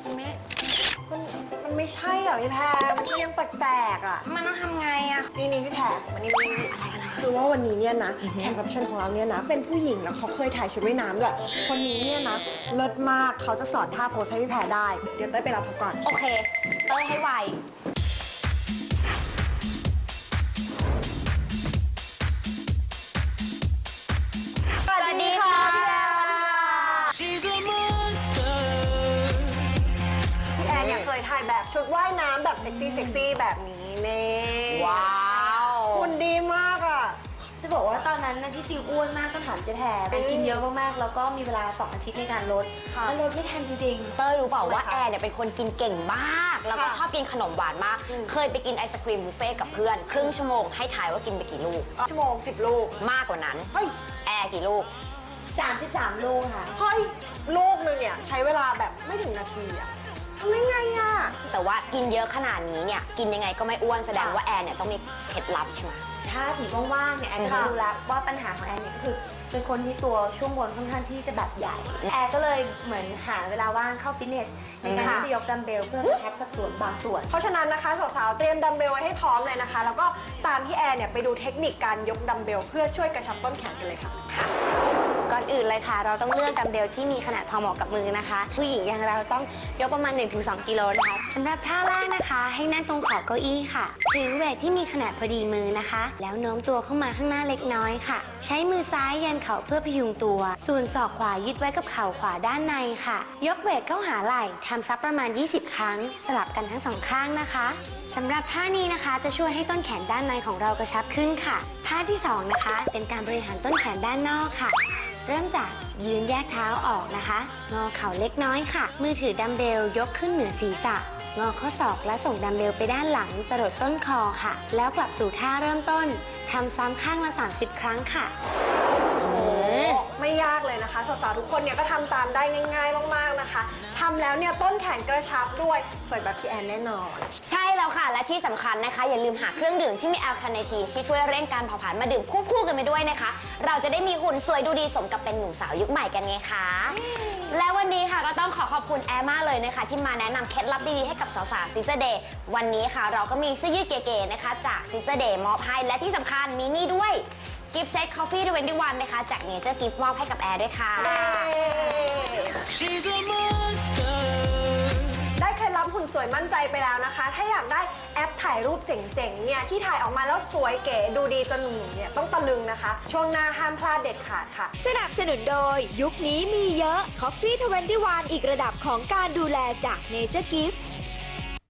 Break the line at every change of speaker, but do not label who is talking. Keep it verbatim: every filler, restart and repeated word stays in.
มันไม่
มันมันไม่ใช่อ่ะพี่แพรมันก็ยังแปลกๆอ่ะ
มันต้องทำไงอ่ะ
นี่นี่พี่แพรมันนี่มันอะไรอะไรคือว่าวันนี้เนี่ยนะแขกรับเชิญของเราเนี่ยนะเป็นผู้หญิงแล้วเขาเคยถ่ายชุดว่ายน้ำด้วยคนนี้เนี่ยนะเลิศมากเขาจะสอนท่าโพสให้พี่แพรได้เดี๋ยวเต้ยไปรับเขาก่อน
โอเคเต้ยให้ไวสวัสดีค่ะ
พี่แอนเนี่ยเคยถ่ายแบบชุดว่ายน้ำแบบเซ็กซี่เซ็กซี่แบบนี้เน่
ว้าว
คุณดีมากอ่ะ
จะบอกว่าตอนนั้นนะที่จริงอ้วนมากต้องถามเจ๊แพรไปกินเยอะมากๆแล้วก็มีเวลาสองอาทิตย์ในการลดแล้วลดไม่ทันจริง
ๆเต้ยรู้เปล่าว่าแอร์เนี่ยเป็นคนกินเก่งมากแล้วก็ชอบกินขนมหวานมากเคยไปกินไอศครีมบุฟเฟ่กับเพื่อนครึ่งชั่วโมงให้ถ่ายว่ากินไปกี่ลูก
ชั่วโมงสิบลูก
มากกว่านั้นเฮ้ยแอร์กี่ลูก
สามสิบสามลูกค่ะ
เฮ้ยลูกนึงเนี่ยใช้เวลาแบบไม่ถึงนาทีอะทำได้ไงอะ
แต่ว่ากินเยอะขนาดนี้เนี่ยกินยังไงก็ไม่อ้วนแสดงว่าแอร์เนี่ยต้องมีเคล็ดลับใช่ไหม
ถ้าสีว่างๆเนี่ยแอนก็รู้แล้วว่าปัญหาของแอนเนี่ยก็คือเป็นคนที่ตัวช่วงบนค่อนข้างที่จะแบบใหญ่แอนก็เลยเหมือนหาเวลาว่างเข้าฟิตเนสในการที่จะยกดัมเบลเพื่อกระชับสัดส่วนบางส่วน
เพราะฉะนั้นนะคะสาวๆเตรียมดัมเบลไว้ให้พร้อมเลยนะคะแล้วก็ตามที่แอนเนี่ยไปดูเทคนิคการยกดัมเบลเพื่อช่วยกระชับต้นแขนกันเลยค่ะ
ค่ะก่อนอื่นเลยค่ะเราต้องเลือกดัมเบลที่มีขนาดพอเหมาะกับมือนะคะผู้หญิงอย่างเราต้องยกประมาณ หนึ่งถึงสอง กิโลนะคะสำหรับท่าแรกนะคะให้นั่งตรงขอบเก้าอี้ค่ะถือเวทที่มีขนาดพอดีมือนะคะแล้วโน้มตัวเข้ามาข้างหน้าเล็กน้อยค่ะใช้มือซ้ายยันเข่าเพื่อพยุงตัวส่วนศอกขวายึดไว้กับเข่าขวาด้านในค่ะยกเวทเข้าหาไหล่ทำซักประมาณยี่สิบครั้งสลับกันทั้งสองข้างนะคะสำหรับท่านี้นะคะจะช่วยให้ต้นแขนด้านในของเรากระชับขึ้นค่ะท่าที่สองนะคะเป็นการบริหารต้นแขนด้านนอกค่ะเริ่มจากยืนแยกเท้าออกนะคะงอเข่าเล็กน้อยค่ะมือถือดัมเบลยกขึ้นเหนือศีรษะงอข้อศอกและส่งดัมเบลไปด้านหลังจรดต้นคอค่ะแล้วกลับสู่ท่าเริ่มต้นทำซ้ำข้างละสามสิบครั้งค่ะ
โอ้ไม่ยากเลยนะคะสาวๆทุกคนเนี่ยก็ทำตามได้ง่ายๆมากๆนะคะทำแล้วเนี่ยต้นแขนกระชับด้วยสวยแบบพี่แอนแน่นอน
ใช่แล้วค่ะและที่สำคัญนะคะอย่าลืมหาเครื่องดื่มที่มีแอลคาเนทีนที่ช่วยเร่งการเผาผลาญมาดื่มควบคู่กันไปด้วยนะคะเราจะได้มีหุ่นสวยดูดีสมกับเป็นหนุ่มสาวยุคใหม่กันไงคะและวันนี้ค่ะก็ต้องขอขอบคุณแอร์มากเลยนะคะที่มาแนะนำเคล็ดลับดีๆให้กับสาวๆซิสเตอร์เดย์วันนี้ค่ะเราก็มีเสื้อยืดเก๋ๆนะคะจากซิสเตอร์เดย์มอบให้และที่สำคัญมีนี่ด้วยกิฟต์เซต Coffee ทเวนตี้วันนะคะจากเนเจอร์กิฟต์มอบให้กับแอร์ด้วยค่ะ
ได้เคล็ดลับหุ่นสวยมั่นใจไปแล้วนะคะถ้าอยากได้แอปถ่ายรูปเจ๋งๆเนี่ยที่ถ่ายออกมาแล้วสวยเก๋ดูดีจนหนุ่มๆเนี่ยต้องตะลึงนะคะช่วงหน้าห้ามพลาดเด็ดขาดค่ะ
สนับสนุนโดยยุคนี้มีเยอะ Coffee ทเวนตี้วันอีกระดับของการดูแลจาก Nature Gift